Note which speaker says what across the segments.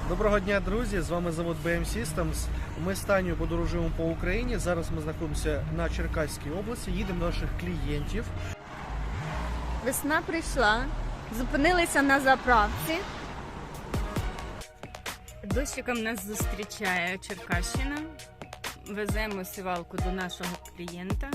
Speaker 1: Доброго дня, друзі! З вами завод BM Systems. Ми з Танею подорожуємо по Україні. Зараз ми знаходимося на Черкаській області, їдемо до наших клієнтів.
Speaker 2: Весна прийшла, зупинилися на заправці. Дощиком нас зустрічає Черкащина. Веземо сівалку до нашого клієнта.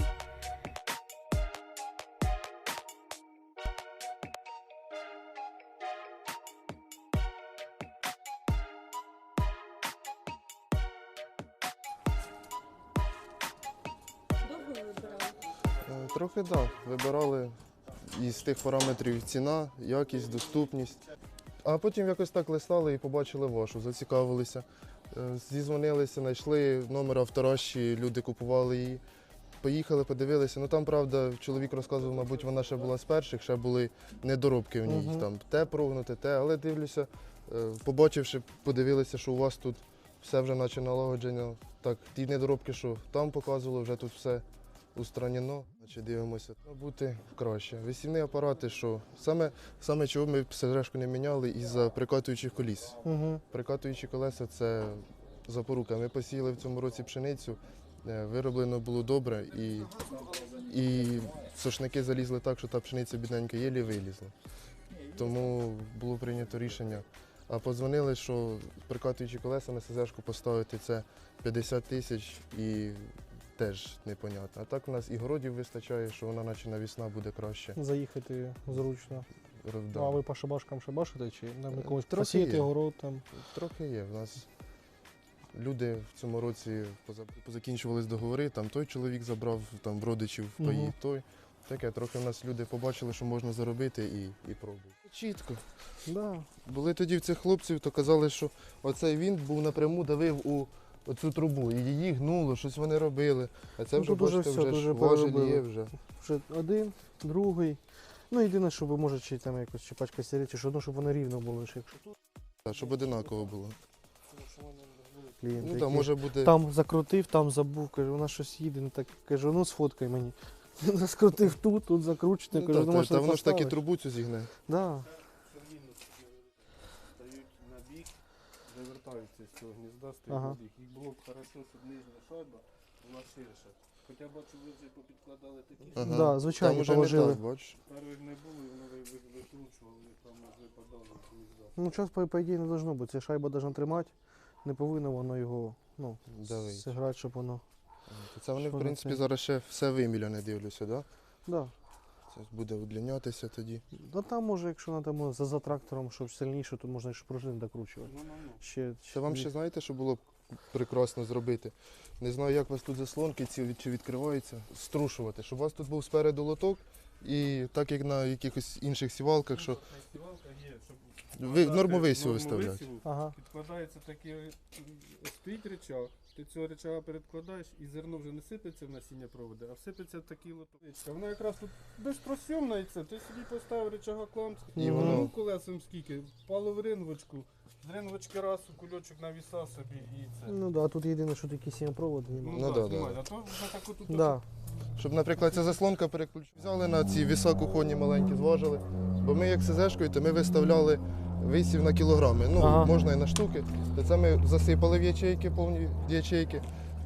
Speaker 3: Трохи так. Вибирали із тих параметрів ціна, якість, доступність. А потім якось так листали і побачили вашу, зацікавилися. Зізвонилися, знайшли номер авторощі, люди купували її. Поїхали, подивилися. Ну там, правда, чоловік розказував, мабуть, вона ще була з перших, ще були недоробки в ній. Там те прогнути, те, але дивлюся, побачивши, подивилися, що у вас тут все вже наче налагоджено. Так, ті недоробки, що там показували, вже тут все устранено. Значить, дивимося, бути краще. Висівні апарати, що саме чого ми СЗшку не міняли, із-за прикатуючих коліс. Прикатуючі колеса – це запорука. Ми посіяли в цьому році пшеницю, вироблено було добре, і сошники залізли так, що та пшениця бідненька єлі вилізла. Тому було прийнято рішення. А подзвонили, що прикатуючі колеса на СЗшку поставити – це 50 тисяч і теж непонятно. А так у нас і городів вистачає, що вона наче навісна буде краще.
Speaker 4: Заїхати зручно.
Speaker 3: Да.
Speaker 4: А ви по шабашкам шабашите чи на якомусь
Speaker 3: Трохи
Speaker 4: посіяти
Speaker 3: є.
Speaker 4: город там?
Speaker 3: Трохи є. У нас люди в цьому році позакінчувались договори, там той чоловік забрав, там в родичів паї, той. Таке, трохи в нас люди побачили, що можна заробити і пробують. Чітко.
Speaker 4: Да.
Speaker 3: Були тоді в цих хлопців, то казали, що оцей вінт був напряму давив у оцю трубу, і її гнуло, щось вони робили. А це
Speaker 4: Ну,
Speaker 3: вже,
Speaker 4: тут уже
Speaker 3: бачите,
Speaker 4: все,
Speaker 3: вже
Speaker 4: дуже
Speaker 3: ж важель
Speaker 4: переробили.
Speaker 3: є вже.
Speaker 4: Вже один, другий. Ну єдине, що ви можете чи там якось чи пачка сигарет, чи що, ну, щоб воно рівно було. Якщо тут
Speaker 3: Так, щоб одинаково було.
Speaker 4: клієнти,
Speaker 3: Ну
Speaker 4: які
Speaker 3: так, може бути.
Speaker 4: там закрутив, там забув, каже, вона щось їде, не так. Кажу, ну сфоткай мені. Скрутив тут закручено,
Speaker 3: Ну,
Speaker 4: кажу,
Speaker 3: так,
Speaker 4: думаєш,
Speaker 3: та воно ж так і
Speaker 4: поставиш?
Speaker 3: трубу цю зігне.
Speaker 4: Да.
Speaker 5: Стають на бік, завертаються з цього гнізда, стають
Speaker 4: Ага.
Speaker 5: на бік. Їх було б хорошо, щоб нижня шайба була ширша. Хоча бачу, ви вже попідкладали такі, що
Speaker 3: Ага.
Speaker 4: Да, звичайно,
Speaker 3: Там уже не
Speaker 4: положили.
Speaker 3: так, бачиш.
Speaker 5: перших не було, і воно викручувало, вони там аж випадали з гнізда.
Speaker 4: Ну, час, по ідеї, не должно бути. Ця шайба должна тримати, не повинно воно його, ну,
Speaker 3: Давить.
Speaker 4: зіграти, щоб воно.
Speaker 3: Це вони,
Speaker 4: Що
Speaker 3: в
Speaker 4: на
Speaker 3: принципі,
Speaker 4: це?
Speaker 3: зараз ще все виміляне, дивлюся, так?
Speaker 4: Да.
Speaker 3: Це буде удлінятися тоді.
Speaker 4: Ну там може, якщо треба за трактором, щоб сильніше, то можна ще пружини докручувати.
Speaker 5: Ну.
Speaker 3: Ще вам ще знаєте, що було б прекрасно зробити? Не знаю, як у вас тут заслонки ці чи відкриваються, струшувати, щоб у вас тут був спереду лоток, і так як на якихось інших сівалках, що
Speaker 5: Сівалка є, щоб
Speaker 3: ви
Speaker 5: подати
Speaker 3: норму висіву
Speaker 5: норму
Speaker 3: виставляти.
Speaker 5: висіву,
Speaker 4: Ага.
Speaker 5: підкладається такий, стоїть речах, ти цього речага передкладаєш і зерно вже не сипеться в насіння проводи, а всипеться в такий лоток. Вона якраз тут безпросйомна і це. Ти собі поставив речага кламс,
Speaker 3: І
Speaker 4: воно-
Speaker 5: воно колесом скільки, впало в ринвочку, з ринвочки раз у кульочок навіса собі і це.
Speaker 4: Ну да, тут єдине, що такі 7 проводи немає.
Speaker 3: Ну да,
Speaker 5: знімай,
Speaker 3: да.
Speaker 5: а то вже так отут.
Speaker 4: Да.
Speaker 3: Щоб, наприклад, ця заслонка переключила. Взяли на ці віса кухонні маленькі, зважили. Бо ми як СЗшкою, то ми виставляли висів на кілограми. Ну,
Speaker 4: Ага.
Speaker 3: можна і на штуки. То це ми засипали в ячейки, повні ячейки.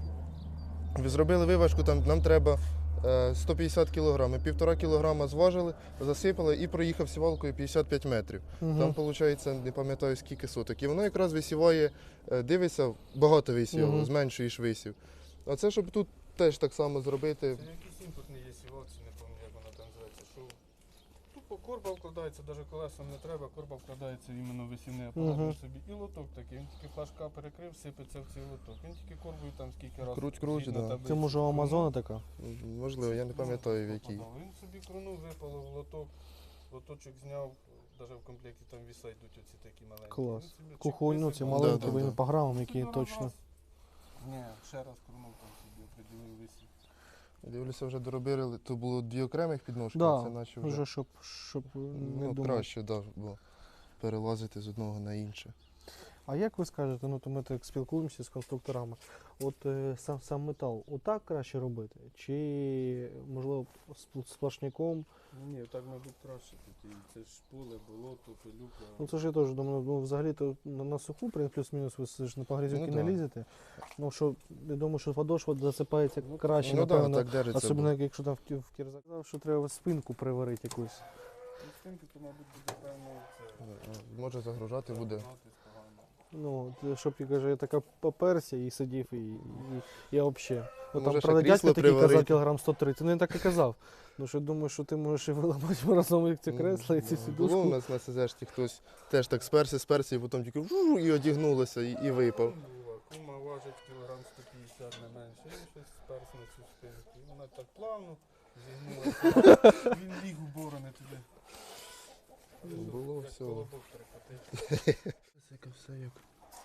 Speaker 3: Зробили виважку, там нам треба 150 кг. 1,5 кг зважили, засипали і проїхав сівалкою 55 метрів.
Speaker 4: Угу.
Speaker 3: Там, виходить, не пам'ятаю скільки соток. І воно якраз висіває, дивиться, багато висівало,
Speaker 4: Мгм.
Speaker 3: зменшуєш висів. А це, щоб тут теж так само зробити.
Speaker 5: Це якийсь імпортний є сівалці, не пам'ятаю, як вона там називається. Що тупо корба вкладається, навіть колесом не треба, корба вкладається іменно в висівний апарат
Speaker 4: Мгм.
Speaker 5: собі. І лоток такий, він тільки флажка перекрив, сипеться в цей лоток. Він тільки корбою там скільки разів.
Speaker 3: Круть,
Speaker 5: згідно
Speaker 3: да.
Speaker 5: таблиці
Speaker 4: Це може у
Speaker 5: крунув.
Speaker 4: Амазона така?
Speaker 3: Можливо, я не пам'ятаю в якій.
Speaker 5: Він собі крунув, випало в лоток, лоточок зняв, навіть в комплекті там віса йдуть оці такі маленькі.
Speaker 4: Клас.
Speaker 5: Він собі чик
Speaker 4: Кухонь, ну ці
Speaker 5: висипав.
Speaker 4: маленькі,
Speaker 3: Да, да,
Speaker 4: ви
Speaker 3: да.
Speaker 4: по грамам, які
Speaker 5: Собі
Speaker 4: точно.
Speaker 5: раз. Ні, ще раз крунув там собі, определив висів.
Speaker 3: Дивлюся, вже доробили. Тут було дві окремих підножки,
Speaker 4: Да,
Speaker 3: а це наче вже
Speaker 4: Вже щоб не
Speaker 3: ну,
Speaker 4: думав.
Speaker 3: краще, да, бо перелазити з одного на інше.
Speaker 4: А як ви скажете, ну то ми так спілкуємося з конструкторами, от сам метал, отак краще робити? Чи можливо сплошняком?
Speaker 5: Ні, так, мабуть, краще тут. І це ж поле, болото, пилюка.
Speaker 4: Ну це ж я теж думаю, ну взагалі-то на суху, плюс-мінус, ви ж на погрізюки
Speaker 3: Ну,
Speaker 4: не
Speaker 3: да.
Speaker 4: лізете. Ну що, я думаю, що подошва засипається краще,
Speaker 3: Ну так,
Speaker 4: напевно.
Speaker 3: так держиться.
Speaker 4: Особливо, якщо там в кірзак. Казав, що треба спинку приварити якусь.
Speaker 5: Інстинкти, то, мабуть, буде певно це.
Speaker 3: Може загружати буде.
Speaker 5: Гнатись погано.
Speaker 4: Ну, от, щоб я каже, я така поперся і сидів, і я взагалі. От там,
Speaker 3: Може, ще
Speaker 4: правда,
Speaker 3: крісло
Speaker 4: дядько такий казав
Speaker 3: приварити.
Speaker 4: кілограм 130, ну він так і казав. Ну що думаю, що ти можеш і виламати разом як ці кресла, і ці
Speaker 3: Було у
Speaker 4: сідушку.
Speaker 3: нас на СЗшці хтось теж так сперся, і потім тільки і одягнулося, і випав.
Speaker 5: Кума важить кілограм 150, не менше. Він щось сперс на цю спинку. І вона так плавно зігнулася. Він ліг у борони туди.
Speaker 3: Було
Speaker 5: Як
Speaker 3: всього.
Speaker 5: колобок перекотив.
Speaker 3: Яке все як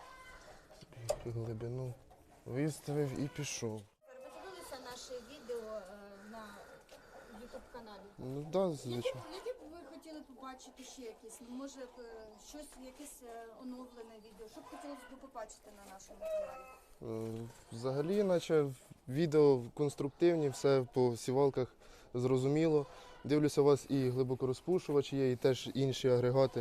Speaker 3: глибину виставив і пішов.
Speaker 6: Ви дивилися наше відео на YouTube каналі?
Speaker 3: Ну так, да, звичайно.
Speaker 6: Які б ви хотіли побачити ще якісь? Ну, може щось, якесь оновлене відео? Що б хотілося б побачити на нашому каналі?
Speaker 3: Взагалі, наче відео конструктивні, все по сівалках зрозуміло. Дивлюся, у вас і глибокорозпушувачі є, і теж інші агрегати.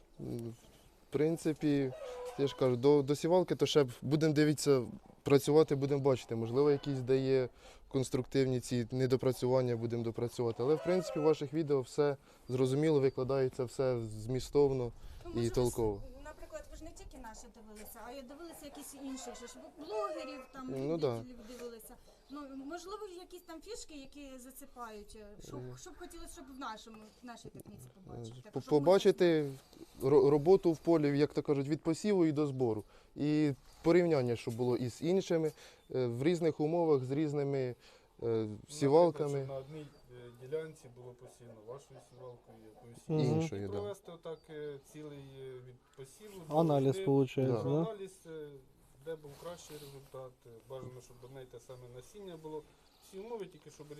Speaker 3: В принципі, я ж кажу, до сівалки то ще будемо дивитися, працювати, будемо бачити. Можливо, якісь дає конструктивні ці недопрацювання, будемо допрацювати. Але в принципі в ваших відео все зрозуміло, викладається все змістовно і толково.
Speaker 6: Наприклад, ви ж не тільки наші дивилися, а й дивилися якісь інших, що ж блогерів, там
Speaker 3: Ну, да.
Speaker 6: любителів дивилися. Ну, можливо, якісь там фішки, які зацепають. Що б хотілося, щоб в нашій техніці побачити? Так, щоб
Speaker 3: Побачити роботу в полі, як то кажуть, від посіву і до збору. І порівняння, щоб було із іншими, в різних умовах, з різними сівалками.
Speaker 5: Наприклад, щоб на одній ділянці було посіяно вашою сівалкою, якоюсь
Speaker 4: Мгм.
Speaker 3: Іншою,
Speaker 5: І
Speaker 3: да.
Speaker 5: провести отак цілий від посіву. до
Speaker 4: Аналіз
Speaker 5: жнив,
Speaker 4: виходить,
Speaker 3: Да.
Speaker 4: да?
Speaker 5: аналіз, де був кращий результат. Бажано, щоб одне й те саме насіння було. Всі умови, тільки щоб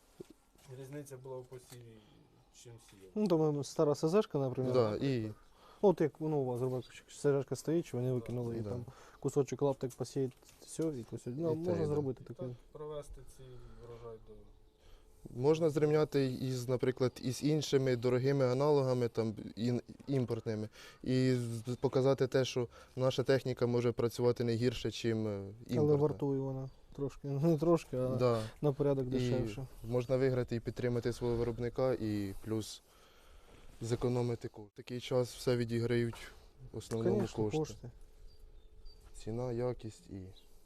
Speaker 5: різниця була в посіві, чим сіяв.
Speaker 4: Ну, там стара СЗшка, наприклад.
Speaker 3: Да, і
Speaker 4: От як у вас зробили, СЗшка стоїть, чи вони викинули, і
Speaker 3: Да.
Speaker 4: там кусочок лаптик посіять, все, і кусочок. Ну,
Speaker 3: І те,
Speaker 4: можна
Speaker 3: да.
Speaker 4: зробити
Speaker 5: Так,
Speaker 4: таке.
Speaker 5: провести цей врожай до
Speaker 3: можна зрівняти із, наприклад, із іншими дорогими аналогами, там, імпортними, і показати те, що наша техніка може працювати не гірше, ніж імпортна.
Speaker 4: Але вартує вона трошки, не трошки, а
Speaker 3: Да.
Speaker 4: на порядок
Speaker 3: І
Speaker 4: дешевше.
Speaker 3: можна виграти і підтримати свого виробника, і плюс зекономити кошти. В такий час все відіграють в основному
Speaker 4: Звісно,
Speaker 3: кошти.
Speaker 4: кошти.
Speaker 3: Ціна, якість і.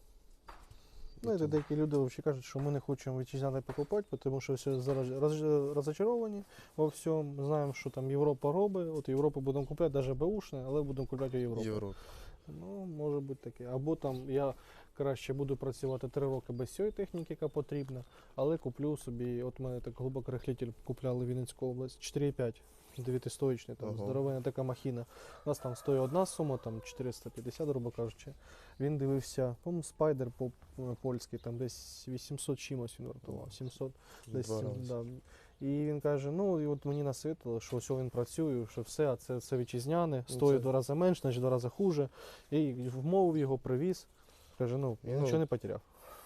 Speaker 4: Знаєте,
Speaker 3: тому.
Speaker 4: деякі люди взагалі кажуть, що ми не хочемо вітчизняне покупати, тому що все зараз розочаровані во всьому. Знаємо, що там Європа робить, от Європу будемо купляти, навіть беушне, але будемо купляти у Європі.
Speaker 3: Європа.
Speaker 4: Ну, може бути таке. Або там я краще буду працювати 3 роки без цієї техніки, яка потрібна, але куплю собі, от мене так глибокорихлитель купляли в Вінницьку область, 4,5. 9-стоїчний, там
Speaker 3: Ага.
Speaker 4: здоровенна така махіна. У нас там стоїть одна сума, там 450, грубо кажучи. Він дивився, по-моєму, спайдер польський, там десь 800 чимось він вартував, 700. Десь,
Speaker 3: Два рази.
Speaker 4: да. І він каже, ну і от мені насвітило, що ось він працює, що все, а це вітчизняне,
Speaker 3: Ну,
Speaker 4: стоїть
Speaker 3: це-
Speaker 4: 2 рази менше, значить 2 рази хуже. І вмовив його, привіз. Каже, ну, я
Speaker 3: Ну,
Speaker 4: нічого не потеряв.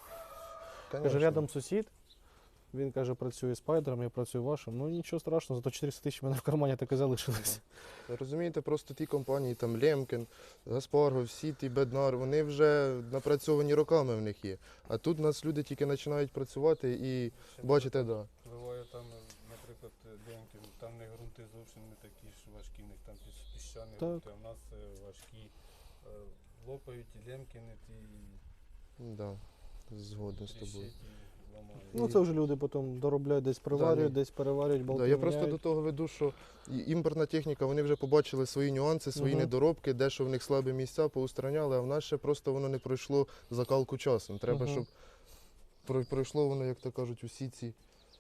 Speaker 4: Каже,
Speaker 3: Конечно.
Speaker 4: рядом сусід, він каже, працює спайдером, я працюю вашим. Ну нічого страшного, зато 400 тисяч в мене в кармані так і залишилось.
Speaker 3: Розумієте, просто ті компанії, там Лемкен, Гаспарго, всі ті Беднар, вони вже напрацьовані роками в них є. А тут у нас люди тільки починають працювати і бачите, да.
Speaker 5: Буває там, наприклад, Деньків, там не ґрунти зовсім не такі ж важкі, в них там піщані
Speaker 4: Так.
Speaker 5: ґрунти, а в нас важкі. Лопають і лемкини, ті
Speaker 3: Да, згоден з тобою.
Speaker 5: тріщать і ламають.
Speaker 4: Ну це вже люди потім доробляють, десь приварюють,
Speaker 3: ні.
Speaker 4: десь переварюють, болти
Speaker 3: Да, я просто
Speaker 4: міняють.
Speaker 3: до того веду, що імпортна техніка, вони вже побачили свої нюанси, свої
Speaker 4: Мгм.
Speaker 3: недоробки, де що в них слабі місця, поустраняли, а в нас ще просто воно не пройшло закалку часом. Треба,
Speaker 4: Мгм.
Speaker 3: щоб пройшло воно, як то кажуть, усі ці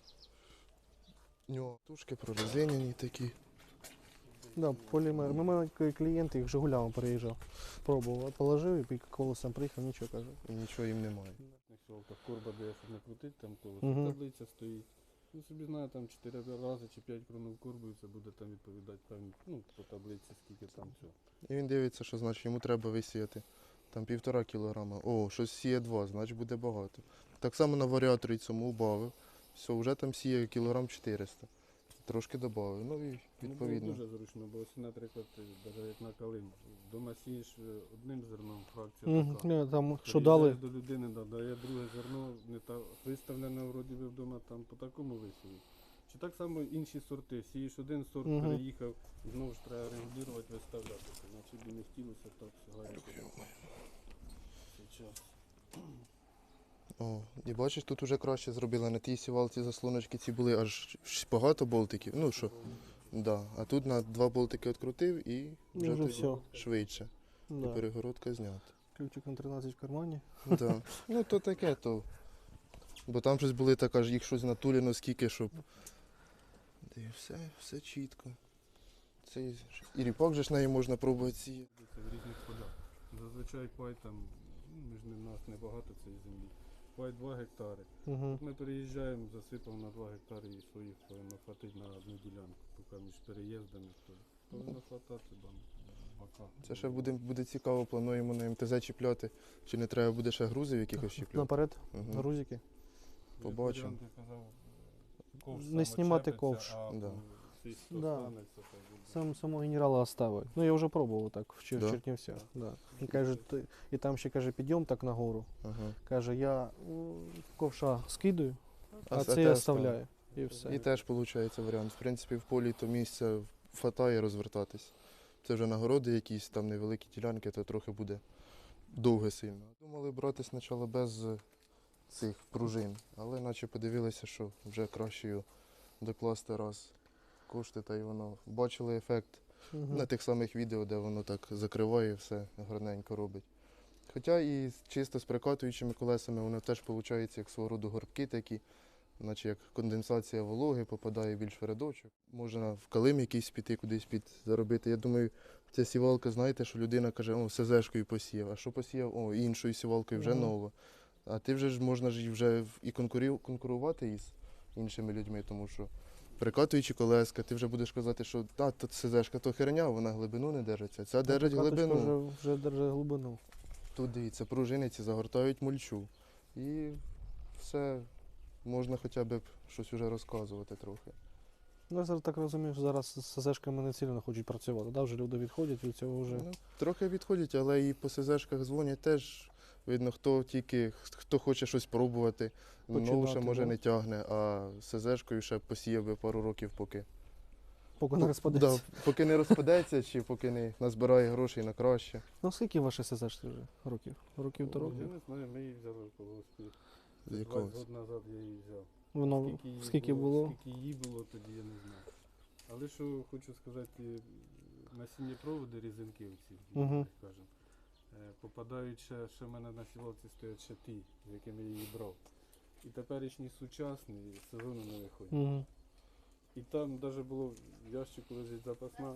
Speaker 3: нюантушки прорезинені такі.
Speaker 4: Да, полімер. Ми мали клієнт, їх Жигулями приїжджав. Пробував, положив і під колесом приїхав, нічого каже.
Speaker 3: І нічого їм немає.
Speaker 5: На сілках корба, де щоб не крутить, там колесо.
Speaker 4: Мгм.
Speaker 5: Таблиця стоїть. Ну, собі знаю, там 4 рази чи 5 кронов курбою, це буде там відповідати певні, ну, по таблиці, скільки там всього.
Speaker 3: І він дивиться, що значить йому треба висіяти там 1,5 кілограма. О, щось сіє 2, значить буде багато. Так само на варіаторі цьому убавив. Все, вже там сіє кілограм 400. Трошки додав. Ну і відповідно.
Speaker 5: Ну, було дуже зручно, бо ось, наприклад, навіть як на калину. Вдома сієш одним зерном, фракція така.
Speaker 4: Там що дали?
Speaker 5: Приїжджаєш до людини, дає друге зерно, не та виставлене вроді би вдома там по такому висіві. Чи так само інші сорти. Сієш один сорт, переїхав, і знову ж треба регулювати, виставляти. Наче б не хотілося так сьогодні. Зараз.
Speaker 3: О, і бачиш, тут вже краще зробили. На тій сівалці заслоночки ці були аж багато болтиків. Ну що, да. А тут на 2 болтики відкрутив і вже
Speaker 4: Вже
Speaker 3: тоді
Speaker 4: все.
Speaker 3: швидше. І
Speaker 4: Да.
Speaker 3: перегородка знята.
Speaker 4: Ключик на 13 в кармані.
Speaker 3: Да. Ну то таке то. Бо там щось були така ж їх щось натулено скільки, щоб. І все чітко. Це і ріпак же ж неї можна пробувати сіяти.
Speaker 5: Це в різних полях. Зазвичай пай там, між нас небагато цієї землі. Пай 2 гектари.
Speaker 4: Угу.
Speaker 5: Ми переїжджаємо, засипав на 2 гектари і своїх повинно хватити на одну ділянку, поки між переїздами. То повинно хватати бока.
Speaker 3: Це ще буде цікаво, плануємо на МТЗ чіпляти. Чи не треба буде ще грузів якихось чіпляти?
Speaker 4: Наперед,
Speaker 3: Мгм.
Speaker 4: грузики.
Speaker 3: Побачимо.
Speaker 5: Як Варіант, я казав, ковш
Speaker 4: Не
Speaker 5: сам
Speaker 4: знімати
Speaker 5: очепиться,
Speaker 4: ковш.
Speaker 5: А
Speaker 3: Да.
Speaker 5: цей
Speaker 4: Да.
Speaker 5: останеться, то буде.
Speaker 4: Самого генерала оставить. Ну я вже пробував так в
Speaker 3: Да?
Speaker 4: Чернівцях. Да. І каже, і там ще каже, підйом так нагору.
Speaker 3: Ага.
Speaker 4: Каже, я ковша скидаю, а
Speaker 3: те
Speaker 4: це я оставляю. І все.
Speaker 3: І теж виходить варіант. В принципі, в полі то місця хватає розвертатись. Це вже нагороди якісь, там невеликі ділянки, то трохи буде довге сильно. Думали брати спочатку без цих пружин, але наче подивилися, що вже краще його докласти раз кошти, та й воно. Бачили ефект
Speaker 4: Мгм.
Speaker 3: на тих самих відео, де воно так закриває, все гарненько робить. Хоча і чисто з прикатуючими колесами воно теж виходить як свого роду горбки такі, наче як конденсація вологи, попадає більш в рядочок. Можна в калим якийсь піти, кудись заробити. Я думаю, ця сівалка, знаєте, що людина каже, о, СЗшкою посіяв, а що посіяв? О, іншою сівалкою вже
Speaker 4: Мгм.
Speaker 3: нова. А ти вже ж можна ж і вже і конкурувати із іншими людьми, тому що прикатуючи колеска, ти вже будеш казати, що та, тут СЗшка то херня, вона глибину не держиться. Ця держить
Speaker 4: Каточка
Speaker 3: глибину.
Speaker 4: Вже держить глибину.
Speaker 3: Тут дивіться, пружини ці загортають мульчу. І все, можна хоча б щось вже розказувати трохи.
Speaker 4: Ну, я зараз так розумію, що зараз з СЗшками не сильно хочуть працювати. Да? Вже люди відходять від цього вже.
Speaker 3: Ну, трохи відходять, але і по СЗшках дзвонять теж. Видно, хто хоче щось пробувати,
Speaker 4: Починати,
Speaker 3: нову ще може
Speaker 4: да?
Speaker 3: не тягне, а СЗшкою ще посіяв би пару років, поки.
Speaker 4: Поки не розпадеться.
Speaker 3: Да, поки не розпадеться, чи поки не назбирає грошей на краще.
Speaker 4: Ну скільки ваші СЗшки вже років? Років то
Speaker 5: Я
Speaker 4: років?
Speaker 5: не знаю, ми її взяли в колгоспі.
Speaker 3: З
Speaker 5: 20
Speaker 3: якогось.
Speaker 5: років назад я її взяв.
Speaker 4: Воно скільки було?
Speaker 5: Скільки її було, тоді я не знаю. Але що хочу сказати, насінні проводи різинки оці,
Speaker 4: Мгм.
Speaker 5: як кажемо, попадають ще в мене на сівалці стоять ще ті, з якими я її брав. І теперішні сучасні з сезону не виходять.
Speaker 4: Угу.
Speaker 5: І там навіть було в ящику лежить запасна.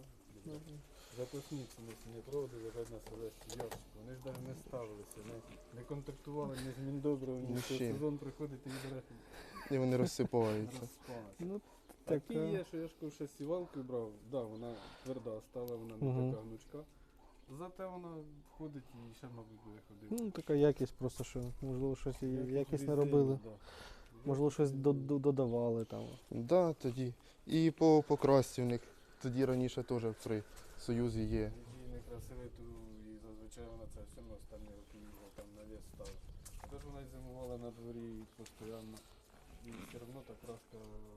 Speaker 5: Запасні ці насінні проводи лежать на селищі ящику. Вони ж навіть не ставилися, не контактували ні з Міндобром, ні
Speaker 3: Ні
Speaker 5: з
Speaker 3: з чим.
Speaker 5: сезон приходить і відбере.
Speaker 3: І вони розсипаються.
Speaker 5: Розпалася.
Speaker 4: Ну,
Speaker 5: Такі
Speaker 4: така.
Speaker 5: є, що я ж кажу, ще сівалкою брав, да, вона тверда стала, вона не
Speaker 4: Мгм.
Speaker 5: така гнучка. Зате вона ходить і ще, мабуть, буде ходити.
Speaker 4: Ну, така якість просто, що можливо щось і
Speaker 5: Якість
Speaker 4: якість не
Speaker 5: різини,
Speaker 4: робили.
Speaker 5: да.
Speaker 4: Можливо, щось додавали там.
Speaker 3: Да, тоді. І по покрасці в них тоді раніше теж при Союзі є.
Speaker 5: Її не красивий, то і зазвичай вона це все одно останні роки їздила, там навіс став. Тож вона й зимувала на дворі постійно. І все одно та краска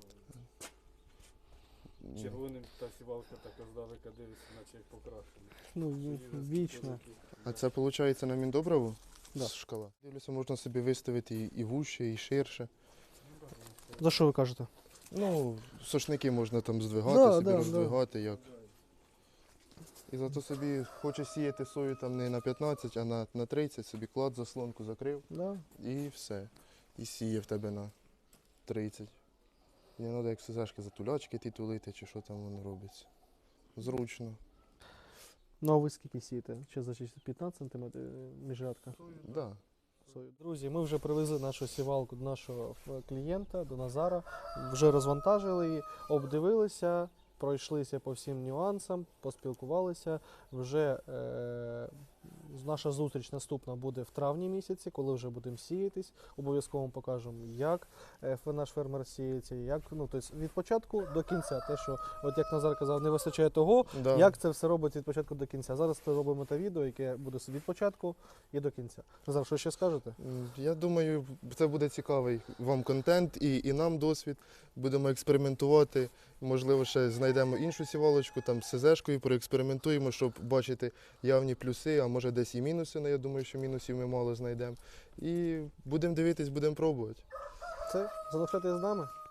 Speaker 5: червоним та сівалка така здалека дивиться, наче як покрашена.
Speaker 4: Ну, вічно.
Speaker 3: А це виходить на Міндоброву?
Speaker 4: Да.
Speaker 3: Шкала. Дивлюся, можна собі виставити і вужче, і ширше.
Speaker 4: За що ви кажете?
Speaker 3: Ну, сошники можна там здвигати,
Speaker 4: Да,
Speaker 3: собі
Speaker 4: да,
Speaker 3: роздвигати як. І зато собі хоче сіяти сою там не на 15, а на 30, собі клад, заслонку закрив
Speaker 4: Да.
Speaker 3: і все. І сіє в тебе на 30. І не треба як СЗшки затулячки ті тулити, чи що там воно робиться. Зручно.
Speaker 4: Ну а ви скільки сієте? Чи за 15 см міжрядка?
Speaker 3: Да.
Speaker 4: свою. Друзі, ми вже привезли нашу сівалку до нашого клієнта, до Назара. Вже розвантажили її, обдивилися, пройшлися по всім нюансам, поспілкувалися. Вже наша зустріч наступна буде в травні місяці, коли вже будемо сіятись. Обов'язково вам покажемо, як наш фермер сіється, як, тобто від початку до кінця. Те, що, от як Назар казав, не вистачає того,
Speaker 3: Да.
Speaker 4: як це все робить від початку до кінця. Зараз ми робимо те відео, яке буде від початку і до кінця. Назар, що ще скажете?
Speaker 3: Я думаю, це буде цікавий вам контент і нам досвід. Будемо експериментувати. Можливо, ще знайдемо іншу сівалочку, там з СЗшкою, проекспериментуємо, щоб бачити явні плюси, а може десь і мінуси. Я думаю, що мінусів ми мало знайдемо. І будемо дивитись, будемо пробувати.
Speaker 4: Це залишайтесь з нами.